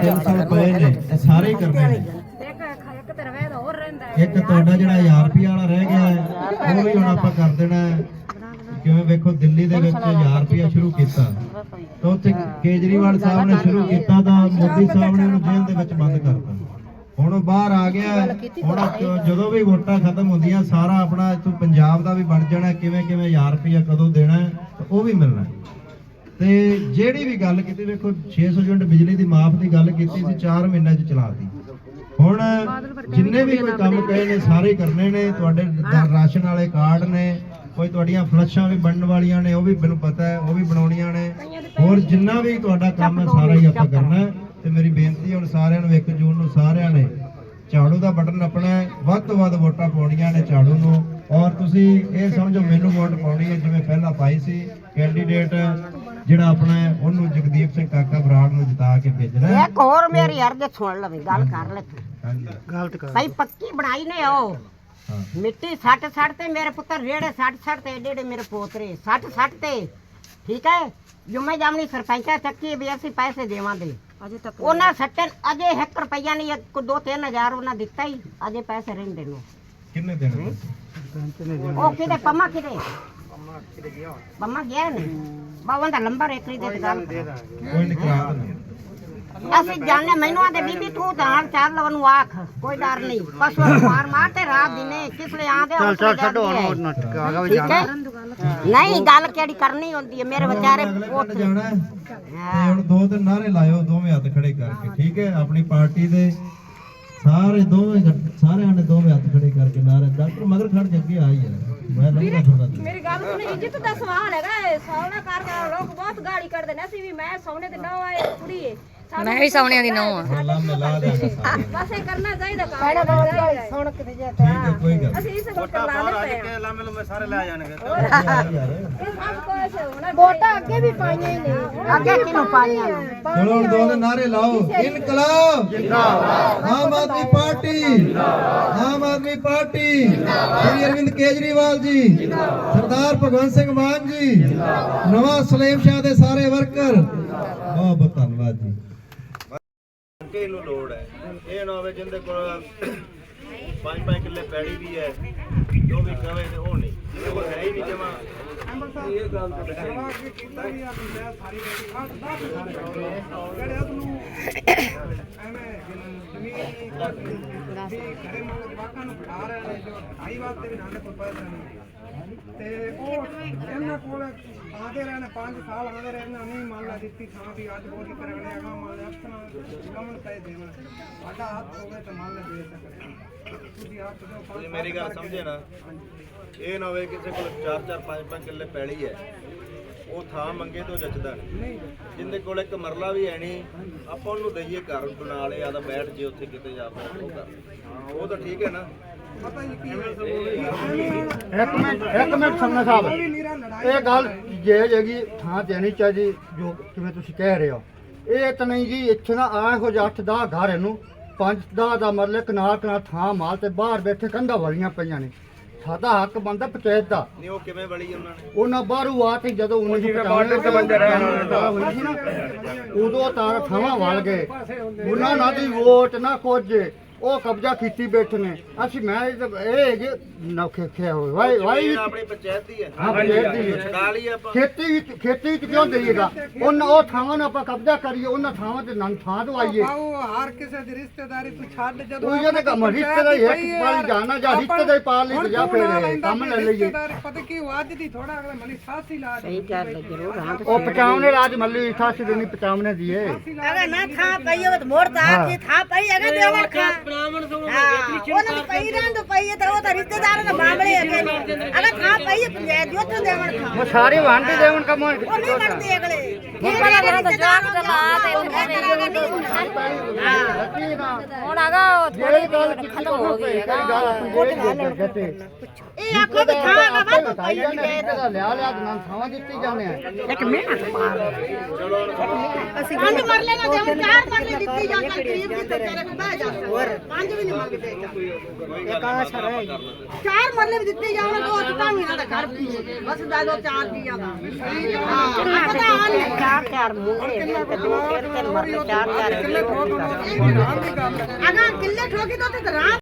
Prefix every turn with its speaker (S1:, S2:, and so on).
S1: 300 ਪਏ ਨੇ ਇਹ ਸਾਰੇ ਹੀ ਕਰਨੇ ਨੇ। ਇੱਕ ਤੁਹਾਡਾ ਜਿਹੜਾ 1000 ਰੁਪਏ ਵਾਲਾ ਰਹਿ ਗਿਆ ਹੈ ਉਹ ਵੀ ਹੁਣ ਆਪਾਂ ਕਰ ਦੇਣਾ ਹੈ। ਕਿਵੇਂ ਵੇਖੋ ਦਿੱਲੀ ਦੇ ਵਿੱਚ 1000 ਰੁਪਏ ਸ਼ੁਰੂ ਕੀਤਾ ਤਾਂ ਉੱਥੇ ਕੇਜਰੀਵਾਲ ਸਾਹਿਬ ਨੇ ਸ਼ੁਰੂ ਕੀਤਾ ਤਾਂ ਮੋਦੀ ਸਾਹਿਬ ਨੇ ਉਹਨੂੰ ਜੇਲ੍ਹ ਦੇ ਵਿੱਚ ਬੰਦ ਕਰਤਾ। ਹੁਣ ਉਹ ਬਾਹਰ ਆ ਗਿਆ। ਹੁਣ ਜਦੋਂ ਵੀ ਵੋਟਾਂ ਖਤਮ ਹੁੰਦੀਆਂ ਸਾਰਾ ਆਪਣਾ ਇੱਥੋਂ ਪੰਜਾਬ ਦਾ ਵੀ ਬਣ ਜਾਣਾ ਕਿਵੇਂ 1000 ਰੁਪਏ ਕਦੋਂ ਦੇਣਾ ਉਹ ਵੀ ਮਿਲਣਾ। ਤੇ ਜਿਹੜੀ ਵੀ ਗੱਲ ਕੀਤੀ ਵੇਖੋ 600 ਯੂਨਿਟ ਬਿਜਲੀ ਦੀ ਮਾਫ ਦੀ ਗੱਲ ਕੀਤੀ ਸੀ 4 ਮਹੀਨਿਆਂ 'ਚ ਚਲਾਤੀ। ਹੁਣ ਜਿੰਨੇ ਵੀ ਕੋਈ ਕੰਮ ਕਹੇ ਨੇ ਸਾਰੇ ਕਰਨੇ ਨੇ। ਤੁਹਾਡੇ ਰਾਸ਼ਨ ਵਾਲੇ ਕਾਰਡ ਨੇ, ਕੋਈ ਤੁਹਾਡੀਆਂ ਫਲਸ਼ਾਂ ਵੀ ਬਣਨ ਵਾਲੀਆਂ ਨੇ ਉਹ ਵੀ ਮੈਨੂੰ ਪਤਾ ਹੈ ਉਹ ਵੀ ਬਣਾਉਣੀਆਂ ਨੇ। ਹੋਰ ਜਿੰਨਾ ਵੀ ਤੁਹਾਡਾ ਕੰਮ ਹੈ ਸਾਰਾ ਹੀ ਆਪਾਂ ਕਰਨਾ ਹੈ। ਤੇ ਮੇਰੀ ਬੇਨਤੀ ਹੁਣ ਸਾਰਿਆਂ ਨੂੰ 1 ਜੂਨ ਨੂੰ ਸਾਰਿਆਂ ਨੇ ਝਾੜੂ ਦਾ ਬਟਨ ਆਪਣਾ ਵੱਧ ਤੋਂ ਵੱਧ ਵੋਟਾਂ ਪਾਉਣੀਆਂ ਨੇ ਝਾੜੂ ਨੂੰ। ਔਰ ਤੁਸੀਂ ਇਹ ਸਮਝੋ ਮੈਨੂੰ ਵੋਟ ਪਾਉਣੀ ਹੈ ਜਿਵੇਂ ਪਹਿਲਾਂ ਪਾਈ ਸੀ। ਕੈਂਡੀਡੇਟ ਜਿਹੜਾ ਆਪਣਾ ਉਹਨੂੰ ਜਗਦੀਪ ਸਿੰਘ ਕਾਕਾ ਬਰਾੜ ਨੂੰ ਜਿਤਾ ਕੇ ਭੇਜਣਾ।
S2: ਇੱਕ ਹੋਰ ਮੇਰੀ ਅਰਜ਼ ਸੁਣ ਲਵੇ ਗੱਲ ਕਰ ਲੈ ਤੂੰ।
S1: ਹਾਂਜੀ
S2: ਗਲਤ ਕਰ ਭਾਈ ਪੱਕੀ ਬਣਾਈ ਨੇ ਉਹ ਮਿੱਟੀ ਸੱਟ ਤੇ ਮੇਰੇ ਪੁੱਤਰ ਰੇੜੇ ਸੱਟ ਤੇ ਏਡੇ ਮੇਰੇ ਪੋਤਰੇ ਸੱਟ ਤੇ ਠੀਕ ਹੈ। ਜੁਮੇ ਜਾਮਣੀ ਸਰਪੰਚਾ ਚੱਕੀ ਵੀ ਅਸੀਂ ਪੈਸੇ ਦੇਵਾਂਗੇ ਅਜੇ ਤੱਕ ਉਹਨਾਂ ਸੱਟਣ ਅਜੇ 1 ਰੁਪਈਆ ਨਹੀਂ 2-3 ਹਜ਼ਾਰ ਉਹਨਾਂ ਦਿੱਤਾ ਹੀ ਅਜੇ ਪੈਸੇ ਰਹਿੰਦੇ ਨੇ।
S1: ਕਿੰਨੇ ਦੇਣੇ
S2: ਉਹ ਕਿਤੇ ਪੰਮਾ ਕਿਤੇ ਪੰਮਾ ਗਿਆ ਨੇ ਬਾਵਾਂ ਦਾ ਨੰਬਰ ਇੱਕਰੀ ਦੇ ਗੱਲ
S1: ਕੋਈ ਨਹੀਂ ਕਰਾ ਦਿੰਦੇ।
S2: ਅਸੀਂ ਜਾਣਦੇ ਮੈਨੂੰ ਆਂਦੇ ਬੀਬੀ ਤੂੰ ਤਾਂ ਚਾਰ ਲਵਨ ਨੂੰ ਆਖ ਕੋਈ ਡਰ ਨਹੀਂ ਪਸ਼ੂ ਮਾਰ ਤੇ ਰਾਤ ਦਿਨੇ ਕਿਸ ਲਈ ਆਂਦੇ ਚੱਲ ਛੱਡੋ ਨਹੀਂ ਗੱਲ ਕਿਹੜੀ ਕਰਨੀ ਹੁੰਦੀ ਹੈ ਮੇਰੇ ਵਿਚਾਰੇ
S1: ਜਾਣਾ ਤੇ ਹੁਣ 2 ਦਿਨ ਨਾਰੇ ਲਾਇਓ ਦੋਵੇਂ ਹੱਥ ਖੜੇ ਕਰਕੇ ਠੀਕ ਹੈ। ਆਪਣੀ ਪਾਰਟੀ ਦੇ ਸਾਰਿਆਂ ਨੇ ਦੋਵੇਂ ਹੱਥ ਖੜੇ ਕਰਕੇ ਨਾਰੇ ਡਾਕਟਰ ਮਗਰ ਖੜ ਕੇ ਅੱਗੇ ਆਈ ਹੈ। ਮੈਂ ਲੰਘਦਾ ਫਿਰਦਾ
S3: ਮੇਰੀ ਗੱਲ ਸੁਣ ਇੱਜ਼ਤ ਦਾ ਸਵਾਲ ਹੈਗਾ। ਸੌਣਾ ਕਰਕੇ ਲੋਕ ਬਹੁਤ ਗਾਲੀ ਕੱਢਦੇ ਨੇ। ਅਸੀਂ ਵੀ ਮੈਂ ਸੌਣੇ ਤੇ ਨਾ ਆਏ ਕੁੜੀ ਏ
S4: ਮੈਂ ਵੀ ਸੌਣਿਆਂ ਦੀ ਨੌਂ ਆ।
S1: ਲਾਮੇ ਲਾ ਦੇਗਾ ਸਾਰਿਆਂ ਨੂੰ।
S3: ਬਸ ਇਹ ਕਰਨਾ ਚਾਹੀਦਾ ਕੰਮ
S2: ਸੁਣ ਕੇ ਜੇ
S1: ਠੀਕ ਹੈ ਕੋਈ ਗੱਲ
S3: ਅਸੀਂ ਇਸ ਵਕਤ ਲਾ ਦੇ ਪਏ
S5: ਲਾਮੇ ਲੁਮੇ ਸਾਰੇ ਲੈ ਜਾਣਗੇ।
S1: ਯਾਰ
S3: ਇਹ ਸਭ ਕੁਝ ਹੋਣਾ
S2: ਵੋਟਾਂ ਅੱਗੇ ਵੀ ਪਾਈਆਂ ਹੀ ਨੇ ਅੱਗੇ ਕਿਹਨੂੰ ਪਾਈਆਂ
S1: ਚਲੋ ਹੁਣ 2 ਦਿਨ ਨਾਰੇ ਲਾਓ। ਇਨਕਲਾਬ ਜਿੰਦਾਬਾਦ, ਆਮ ਆਦਮੀ ਪਾਰਟੀ ਜਿੰਦਾਬਾਦ, ਆਮ ਆਦਮੀ ਪਾਰਟੀ, ਸ਼੍ਰੀ ਅਰਵਿੰਦ ਕੇਜਰੀਵਾਲ ਜੀ ਜਿੰਦਾਬਾਦ, ਸਰਦਾਰ ਭਗਵੰਤ ਸਿੰਘ ਮਾਨ ਜੀ ਜਿੰਦਾਬਾਦ, ਨਵਾਂ ਸਲੇਮ ਸ਼ਾਹ ਦੇ ਸਾਰੇ ਵਰਕਰ ਬਹੁਤ ਬਹੁਤ ਧੰਨਵਾਦ ਜੀ।
S5: ਇਹਨੂੰ ਲੋੜ ਹੈ ਇਹ ਨਾ ਹੋਵੇ ਜਿੰਦੇ ਕੋਲ 5-5 ਕਿੱਲੇ ਪੈੜੀ ਵੀ ਹੈ ਜੋ ਵੀ ਕਵੇ ਤੇ ਉਹ ਨਹੀਂ ਉਹ ਹੈ ਹੀ ਨਹੀਂ ਜਮਾ। ਇਹ ਗੱਲ ਤਾਂ
S6: ਤੇ ਉਹ ਇਹਨਾਂ ਕੋਲ ਆਦੇ ਰਹਿਣੇ 5 ਸਾਲ ਆਦੇ ਰਹਿਣਾ ਨਹੀਂ ਮੰਨ ਲਾ ਦਿੱਤੀ ਥਾਂ ਵੀ ਅੱਜ ਬੋਲੀ ਕਰਨੇ ਆਗਾ ਮੰਨ ਲਾ ਅਸਨਾ ਕਮਨ ਪੈ ਦੇਣਾ ਸਾਡਾ ਹੱਥ ਹੋਵੇ ਤਾਂ ਮੰਨ ਲਾ ਦੇ ਸਕਦੇ ਤੁਸੀਂ ਆਪ
S5: ਤੁਸੀਂ ਮੇਰੀ ਗੱਲ ਸਮਝੇ ਨਾ। ਇਹ ਨਾ ਹੋਵੇ ਕਿਸੇ ਕੋਲ 4-4 5-5 ਕਿੱਲੇ ਪੈਲੀ ਹੈ ਉਹ ਥਾਂ ਮੰਗੇ ਤੋਂ ਜੱਜਦਾ ਨਹੀਂ। ਜਿੰਦੇ ਕੋਲ ਇੱਕ ਮਰਲਾ ਵੀ ਹੈ ਨਹੀਂ ਆਪਾਂ ਉਹਨੂੰ ਦਈਏ ਘਰ ਬਣਾ ਲਿਆ ਆਦਾ ਬੈਠ ਜੇ ਉੱਥੇ ਕਿਤੇ ਜਾ ਉਹ ਕਰ ਉਹ ਤਾਂ ਠੀਕ ਹੈ ਨਾ।
S7: ਇੱਕ ਮਿੰਟ ਸੰਨਾ ਸਾਹਿਬ ਇਹ ਗੱਲ ਜਾਇਜ਼ ਹੈਗੀ ਥਾਂ ਦੇਣੀ ਚਾਹੀਦੀ ਜੋ ਕਿਵੇਂ ਤੁਸੀਂ ਕਹਿ ਰਹੇ ਹੋ। ਇਹ ਤਾਂ ਨਹੀਂ ਜੀ ਇੱਥੇ ਨਾ ਆ ਇਹੋ ਜਿਹਾ 8-10 ਘਰ ਇਹਨੂੰ 5-10 ਦਾ ਮਰਲੇ ਕਨਾਲ ਥਾਂ ਮਾਲ ਤੇ ਬਾਹਰ ਬੈਠੇ ਕੰਧਾਂ ਵਾਲੀਆਂ ਪਈਆਂ ਨੇ। ਸਾਡਾ ਹੱਕ ਬਣਦਾ ਪੰਚਾਇਤ ਦਾ।
S5: ਨਹੀਂ ਉਹ ਕਿਵੇਂ ਵਲੀ ਉਹਨਾਂ ਨੇ
S7: ਉਹਨਾਂ ਬਾਹਰੋਂ ਆ ਕੇ ਜਦੋਂ 1995 ਹੋਈ ਸੀ ਨਾ ਉਦੋਂ ਤਾਂ ਥਾਵਾਂ ਵਲ ਗਏ ਉਹਨਾਂ ਨਾਲ ਦੀ ਵੋਟ ਨਾ ਕੁਝ ਉਹ ਕਬਜ਼ਾ ਕੀਤੀ ਬੈਠੇ ਨੇ। ਅਸੀਂ ਮੈਂ ਇਹ ਹੈਗੇ ਨੌਖੇ ਖੇ ਹੋਏ ਵਾਈ
S5: ਆਪਣੀ ਪੰਚਾਇਤ ਦੀ ਹੈ।
S7: ਹਾਂ ਪੰਚਾਇਤ ਦੀ
S5: ਛਡਾ ਲਈ ਆਪਾਂ
S7: ਖੇਤੀ ਵਿੱਚ ਕਿਉਂ ਦੇਈਏਗਾ ਉਹਨਾਂ ਉਹ ਥਾਵਾਂ ਨੂੰ ਆਪਾਂ ਕਬਜ਼ਾ ਕਰੀਏ ਉਹਨਾਂ ਥਾਵਾਂ ਤੇ ਨੰਨ ਥਾਂ ਦਵਾਈਏ।
S6: ਉਹ ਹਰ ਕਿਸੇ ਦੀ ਰਿਸ਼ਤੇਦਾਰੀ ਤੂੰ ਛੱਡ ਜਦੋਂ
S7: ਉਹ ਜਿਹਨੇ ਕੰਮ ਰਿਸ਼ਤੇਦਾਰੀ ਇੱਕ ਪਾਲੀ ਜਾਣਾ ਜਾਂ ਰਿਸ਼ਤੇਦਾਰੀ ਪਾਲ ਲਈ ਜਾਂ ਫਿਰ ਕੰਮ ਲੈ ਲਈਏ।
S6: ਪਤਾ ਕੀ ਅੱਜ ਦੀ ਥੋੜਾ ਅਗਲਾ ਮਲੀ ਸਾਸੀ ਲਾ ਦੇ
S7: ਉਹ 55 ਰਾਜ ਮੱਲੀ ਸਾਸੀ ਦੇਣੀ 55 ਦੀ ਏ
S2: ਅਗਰ ਨਾ ਥਾਂ ਪਈ ਹੋਵੇ ਤਾਂ ਮੋੜ ਤਾਂ ਕੀ ਥਾਂ ਪਈ ਹੈਗਾ ਦੇਵਣ ਖਾ ਉਹਨਾਂ ਪਈ ਰਹਿੰਦ ਪਈ ਤੇ ਉਹ ਤਾਂ ਰਿਸ਼ਤੇਦਾਰਾਂ ਦਾ ਮਾਮਲੇ ਹੈਗੇ ਨੇ। ਅਗਰ ਥਾਂ ਪਈ ਹੈ ਪੰਚਾਇਤ ਦੀ ਉੱਥੇ ਦੇਵਣ ਖਾ
S7: ਉਹ ਸਾਰੇ ਵਾਂਡੇ ਦੇਵਣ ਕੰਮ
S2: ਉਹ ਨਹੀਂ ਕਰਦੇ ਅਗਲੇ ਉਹਨਾਂ ਦਾ ਜਾਗ ਚਲਾ ਤੇ
S4: ਹੁਣ ਆਗਾ
S7: ਜਿਹੜੀ ਗੱਲ ਖਤਮ ਹੋ ਗਈ
S2: ਇਹ ਇਹ ਆਖੋ ਵੀ ਖਾਣਾ ਵਾ
S7: ਬਤਾਈ ਜਾਂਦੇ ਇਹਦਾ ਲਿਆ ਦਿਨਾਂ ਥਾਵਾਂ ਦਿੱਤੀ ਜਾਂਦੇ ਆ
S2: ਇੱਕ ਮਿੰਟ ਅਸੀਂ 5 ਮਰਲੇ ਨਾ ਦੇਵ 4 ਮਰਲੇ ਦਿੱਤੀ ਜਾਂ ਗਰੀਬ ਦੀ ਤੇ ਤੇਰੇ ਕੋ ਬਹਿ ਜਾ 5 ਵੀ ਨਹੀਂ ਮੰਗਦੇ ਇੱਕ ਆਸ਼ਾ ਰਹਿ 4 ਮਰਲੇ ਵੀ ਦਿੱਤੇ ਜਾਣ ਦੋ ਤਾਂ ਵੀ ਇਹਨਾਂ ਦਾ ਘਰ ਬਸ ਦਾ ਦੋ 4 ਦੀ ਜਾਂਦਾ ਹਾਂ ਪਤਾ ਨਹੀਂ 4 ਮੁੰਡੇ ਤੇ 2 3 ਮਰਲੇ 4 ਕਿੱਲੇ ਠੋਕ ਅਗਾ ਕਿੱਲੇ ਠੋਕੀ ਤਾਂ ਤੇ ਰਾਮ